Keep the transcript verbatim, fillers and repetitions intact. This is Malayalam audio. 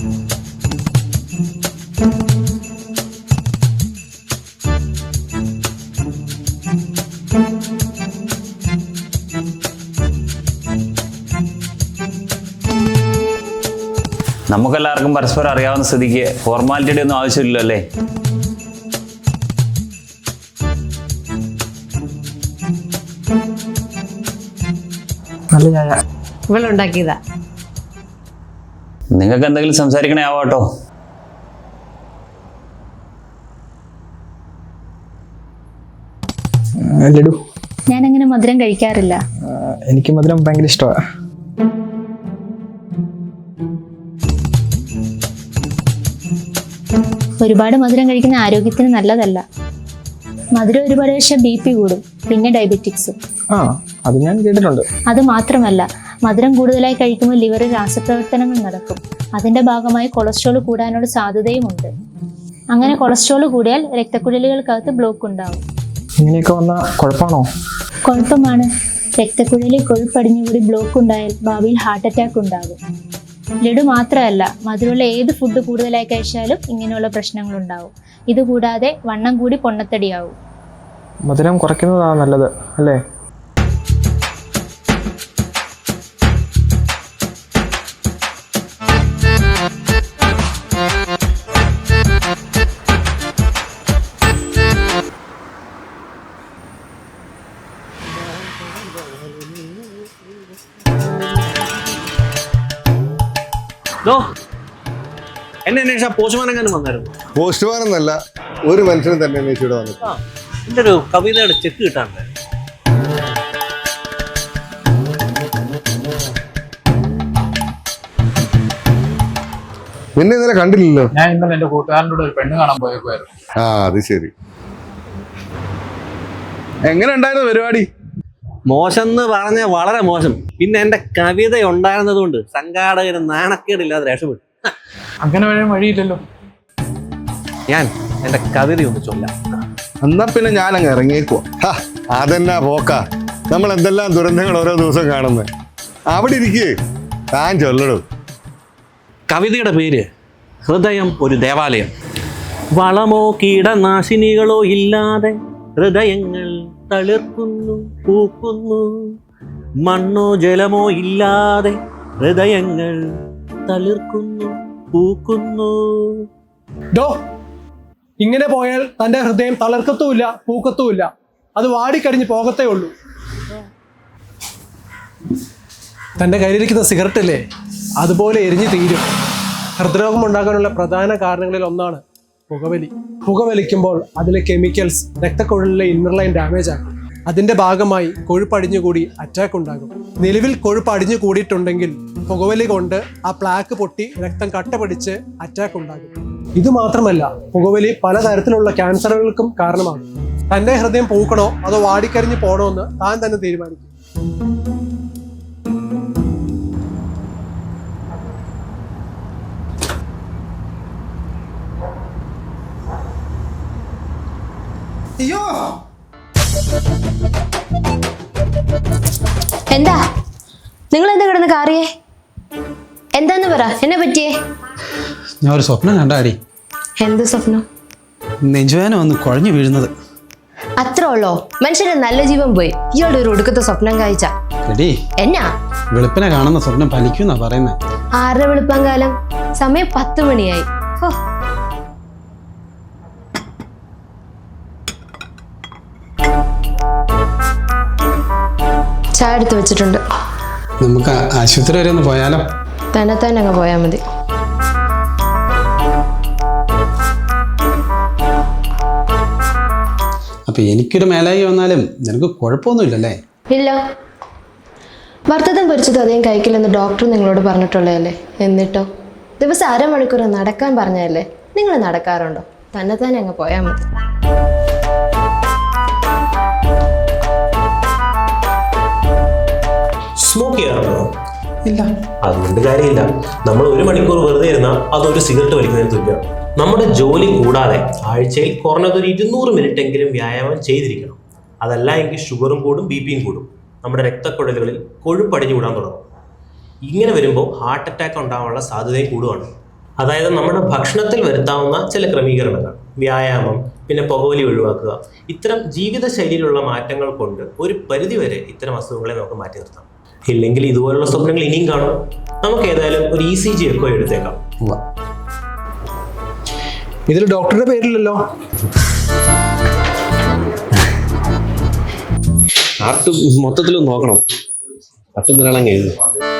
നമുക്കെല്ലാവർക്കും പരസ്പരം അറിയാവുന്ന സ്ഥിതിക്ക് ഫോർമാലിറ്റിയുടെ ഒന്നും ആവശ്യമില്ലല്ലോ അല്ലേ? ഇവളുണ്ടാക്കിയതാ. നിങ്ങൾക്ക് എന്തെങ്കിലും സംസാരിക്കണേ ആവാട്ടോ. ലഡു, ഞാൻ അങ്ങനെ മധുരം കഴിക്കാറില്ല. എനിക്ക് മധുരം ഭയങ്കര ഇഷ്ടമാണ്. ഒരുപാട് മധുരം കഴിക്കുന്ന ആരോഗ്യത്തിന് നല്ലതല്ല. മധുരം ഒരുപാട് കഴിച്ചാൽ ബി പി കൂടും, പിന്നെ ഡയബറ്റിക്സും. ആ, അത് ഞാൻ കേട്ടിട്ടുണ്ട്. അത് മാത്രമല്ല, മധുരം കൂടുതലായി കഴിക്കുമ്പോൾ ലിവറിൽ രാസപ്രവർത്തനങ്ങൾ നടക്കും. അതിന്റെ ഭാഗമായി കൊളസ്ട്രോൾ കൂടാനുള്ള സാധ്യതയുമുണ്ട്. അങ്ങനെ കൊളസ്ട്രോൾ കൂടിയാൽ രക്തക്കുഴലുകൾക്കകത്ത് ബ്ലോക്ക് ഉണ്ടാവും. ഇങ്ങനെയൊക്കെ വന്നാൽ കുഴപ്പമാണോ? കുഴപ്പമാണ്. രക്തക്കുഴലിൽ കൊഴുപ്പടിഞ്ഞുകൂടി ബ്ലോക്ക് ഉണ്ടായാൽ ഭാവിയിൽ ഹാർട്ട് അറ്റാക്ക് ഉണ്ടാകും. ലഡു മാത്രമല്ല, മധുരമുള്ള ഏത് ഫുഡ് കൂടുതലായി കഴിച്ചാലും ഇങ്ങനെയുള്ള പ്രശ്നങ്ങൾ ഉണ്ടാവും. ഇതുകൂടാതെ വണ്ണം കൂടി പൊണ്ണത്തടിയാവും. മധുരം കുറയ്ക്കുന്നതാണ് നല്ലത് അല്ലേ? എന്നെ അന്വേഷിച്ച പോസ്റ്റ്മാൻ എങ്ങനെ വന്നായിരുന്നു? പോസ്റ്റ്മാൻ എന്നല്ല, ഒരു മനുഷ്യനും തന്നെ അന്വേഷിച്ചിവിടെ വന്നു. എന്റെ ഒരു കവിതയുടെ ചെക്ക് കിട്ടാണ്ട്. പിന്നെ ഇന്നലെ കണ്ടില്ലല്ലോ. ഞാൻ ഇന്നലെ എന്റെ കൂട്ടുകാരനോട് ഒരു പെണ്ണ് കാണാൻ പോയേക്കുമായിരുന്നു. ആ, അത് ശരി. എങ്ങനെ ഉണ്ടായിരുന്നു പരിപാടി? മോശം എന്ന് പറഞ്ഞ വളരെ മോശം. പിന്നെ എന്റെ കവിത ഉണ്ടായിരുന്നത് കൊണ്ട് സംഘാടകന് നാണക്കേടില്ലാതെ രക്ഷപ്പെട്ടു. അങ്ങനെ വരാൻ വഴിയില്ലല്ലോ. ഞാൻ എന്റെ കവിത ഒന്ന് ചൊല്ലാം. എന്നാ പിന്നെ ഞാൻ അങ്ങ് ഇറങ്ങിയേക്കുവാ. അതെന്നാ പോക്ക, നമ്മൾ എന്തെല്ലാം ദുരന്തങ്ങൾ ഓരോ ദിവസം കാണുന്നത്. അവിടെ ഇരിക്കേ, താൻ ചൊല്ലടും. കവിതയുടെ പേര് ഹൃദയം ഒരു ദേവാലയം. വളമോ കീടനാശിനികളോ ഇല്ലാതെ ഹൃദയങ്ങൾ തളിർക്കുന്നു, പൂക്കുന്നു. മണ്ണോ ജലമോ ഇല്ലാതെ ഹൃദയങ്ങൾ തളിർക്കുന്നു, പൂക്കുന്നു. ഡോ, ഇങ്ങനെ പോയാൽ തന്റെ ഹൃദയം തളർക്കത്തുമില്ല, പൂക്കത്തുമില്ല. അത് വാടിക്കടിഞ്ഞ് പോകത്തേ ഉള്ളൂ. തന്റെ കയ്യിലിരിക്കുന്ന സിഗരറ്റ് അല്ലേ, അതുപോലെ എരിഞ്ഞു തീരും. ഹൃദ്രോഗം ഉണ്ടാകാനുള്ള പ്രധാന കാരണങ്ങളിൽ ഒന്നാണ് പുകവലി. പുകവലിക്കുമ്പോൾ അതിലെ കെമിക്കൽസ് രക്തക്കുഴലിലെ ഇന്നർ ലൈൻ ഡാമേജ് ആകും. അതിന്റെ ഭാഗമായി കൊഴുപ്പടിഞ്ഞുകൂടി അറ്റാക്ക് ഉണ്ടാകും. നിലവിൽ കൊഴുപ്പ് അടിഞ്ഞു കൂടിയിട്ടുണ്ടെങ്കിൽ പുകവലി കൊണ്ട് ആ പ്ലാക്ക് പൊട്ടി രക്തം കട്ട പിടിച്ച് അറ്റാക്ക് ഉണ്ടാകും. ഇത് മാത്രമല്ല, പുകവലി പലതരത്തിലുള്ള ക്യാൻസറുകൾക്കും കാരണമാകും. തന്റെ ഹൃദയം പൂക്കണോ അതോ വാടിക്കരിഞ്ഞ് പോകണോ എന്ന് താൻ തന്നെ തീരുമാനിക്കും. അയ്യോ, എന്താ നിങ്ങൾ എന്താ കിടന്ന് കാറിയേ? എന്താന്ന് പറ, എന്നെ പറ്റിയേ? ഞാൻ ഒരു സ്വപ്നം കണ്ടാടി. എന്ത് സ്വപ്നം? നെഞ്ചുവേന വന്ന് കുഴഞ്ഞു വീഴുന്നത്. അത്ര ഉള്ളോ? മനുഷ്യന്റെ നല്ല ജീവൻ പോയി ഇയാളുടെ ഒരു ഒടുക്കത്തെ സ്വപ്നം കാഴ്ച. എന്നാ വെളുപ്പിനെ കാണുന്ന സ്വപ്നം ഫലിക്കുന്നാ പറയുന്നേ. ആരുടെ വെളുപ്പം കാലം? സമയം പത്ത് മണിയായി. ഹോ, ചായ എടുത്ത് വെച്ചിട്ടുണ്ട്. നമുക്ക് ആശുപത്രി വരെ ഒന്ന് പോയാലോ? തന്നെ തന്നെ അങ്ങ് പോയാൽ മതി. അപ്പൊ എനിക്കൊരു മേലായി വന്നാലും നിനക്ക് കുഴപ്പമൊന്നുമില്ലല്ലേ? ഇല്ല. വറുത്തതും പൊരിച്ചതും അധികം കഴിക്കില്ലെന്ന് ഡോക്ടർ നിങ്ങളോട് പറഞ്ഞിട്ടുള്ളതല്ലേ? എന്നിട്ടോ ദിവസം അരമണിക്കൂർ നടക്കാൻ പറഞ്ഞതല്ലേ? നിങ്ങൾ നടക്കാറുണ്ടോ? തന്നെ തന്നെ അങ്ങ് പോയാൽ മതി. സ്മോക്ക് ചെയ്യാറുണ്ടോ? ഇല്ല. അതുകൊണ്ട് കാര്യമില്ല. നമ്മൾ ഒരു മണിക്കൂർ വെറുതെ ഇരുന്നാൽ അതൊരു സിഗരറ്റ് വലിക്കുന്നതിന് തുല്യമാണ്. നമ്മുടെ ജോലി കൂടാതെ ആഴ്ചയിൽ കുറഞ്ഞതൊരു ഇരുന്നൂറ് മിനിറ്റ് എങ്കിലും വ്യായാമം ചെയ്തിരിക്കണം. അതല്ല എങ്കിൽ ഷുഗറും കൂടും, ബി പിയും കൂടും. നമ്മുടെ രക്തക്കുഴലുകളിൽ കൊഴുപ്പടിഞ്ഞു വിടാൻ തുടങ്ങും. ഇങ്ങനെ വരുമ്പോൾ ഹാർട്ട് അറ്റാക്ക് ഉണ്ടാകാനുള്ള സാധ്യതയും കൂടുകയാണ്. അതായത് നമ്മുടെ ഭക്ഷണത്തിൽ വരുത്താവുന്ന ചില ക്രമീകരണങ്ങൾ, വ്യായാമം, പിന്നെ പുകവലി ഒഴിവാക്കുക, ഇത്തരം ജീവിതശൈലിയിലുള്ള മാറ്റങ്ങൾ കൊണ്ട് ഒരു പരിധിവരെ ഇത്തരം അസുഖങ്ങളെ നമുക്ക് മാറ്റി നിർത്താം. ഇല്ലെങ്കിൽ ഇതുപോലുള്ള സ്വപ്നങ്ങൾ ഇനിയും കാണും. നമുക്ക് ഏതായാലും ഒരു ഇ സി ജി എക്കോ എടുത്തേക്കാം. ഇതിൽ ഡോക്ടറുടെ പേരില്ലല്ലോ. ചാർട്ട് മൊത്തത്തിൽ നോക്കണം. പറ്റുന്നില്ല എഴുതും.